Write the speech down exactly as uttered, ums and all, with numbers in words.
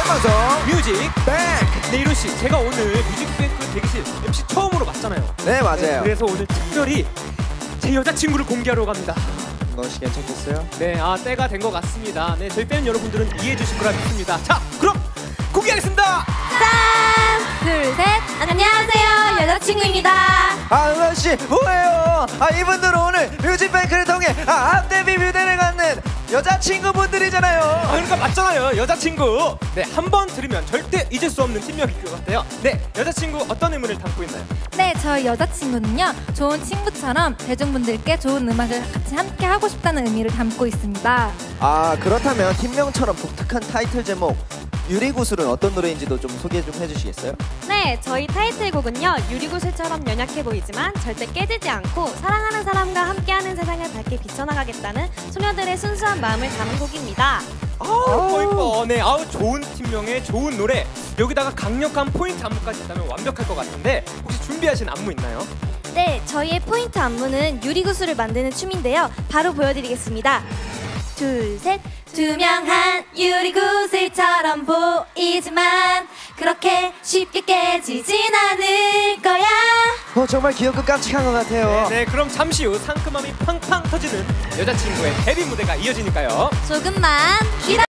생방송 뮤직 뱅크. 네, 이로씨, 제가 오늘 뮤직뱅크 대기실 엠씨 처음으로 맞잖아요. 네, 맞아요. 네, 그래서 오늘 특별히 제 여자친구를 공개하러 갑니다. 너씨 괜찮겠어요? 네, 아 때가 된 것 같습니다. 네, 저희 팬 여러분들은 이해해 주실 거라 믿습니다. 자, 그럼 공개하겠습니다. 짠! 둘, 셋! 안녕하세요, 여자친구입니다. 아, 은하씨 뭐예요? 아, 이분들은 오늘 뮤직뱅크를 통해 아, 앞데뷔 뮤대를 갖는 여자친구분들이잖아요. 아, 그러니까 맞잖아요, 여자친구. 네, 한 번 들으면 절대 잊을 수 없는 팀명일 것 같아요. 네, 여자친구 어떤 의문을 담고 있나요? 네, 저희 여자친구는요, 좋은 친구처럼 대중분들께 좋은 음악을 같이 함께 하고 싶다는 의미를 담고 있습니다. 아, 그렇다면 팀명처럼 독특한 타이틀 제목 유리구슬은 어떤 노래인지도 좀 소개 좀 해주시겠어요? 네, 저희 타이틀곡은요, 유리구슬처럼 연약해 보이지만 절대 깨지지 않고 사랑하는 사람과 함께하는 세상을 밝게 비춰나가겠다는 소녀들의 순수한 마음을 담은 곡입니다. 아우, 이뻐. 네, 아우, 좋은 팀명에 좋은 노래. 여기다가 강력한 포인트 안무까지 있다면 완벽할 것 같은데 혹시 준비하신 안무 있나요? 네, 저희의 포인트 안무는 유리구슬을 만드는 춤인데요. 바로 보여드리겠습니다. 둘, 셋. 투명한 유리구슬처럼 보이지만 그렇게 쉽게 깨지진 않을 거야. 어, 정말 귀엽고 깜찍한 것 같아요. 네, 네, 그럼 잠시 후 상큼함이 팡팡 터지는 여자친구의 데뷔 무대가 이어지니까요. 조금만 기다려.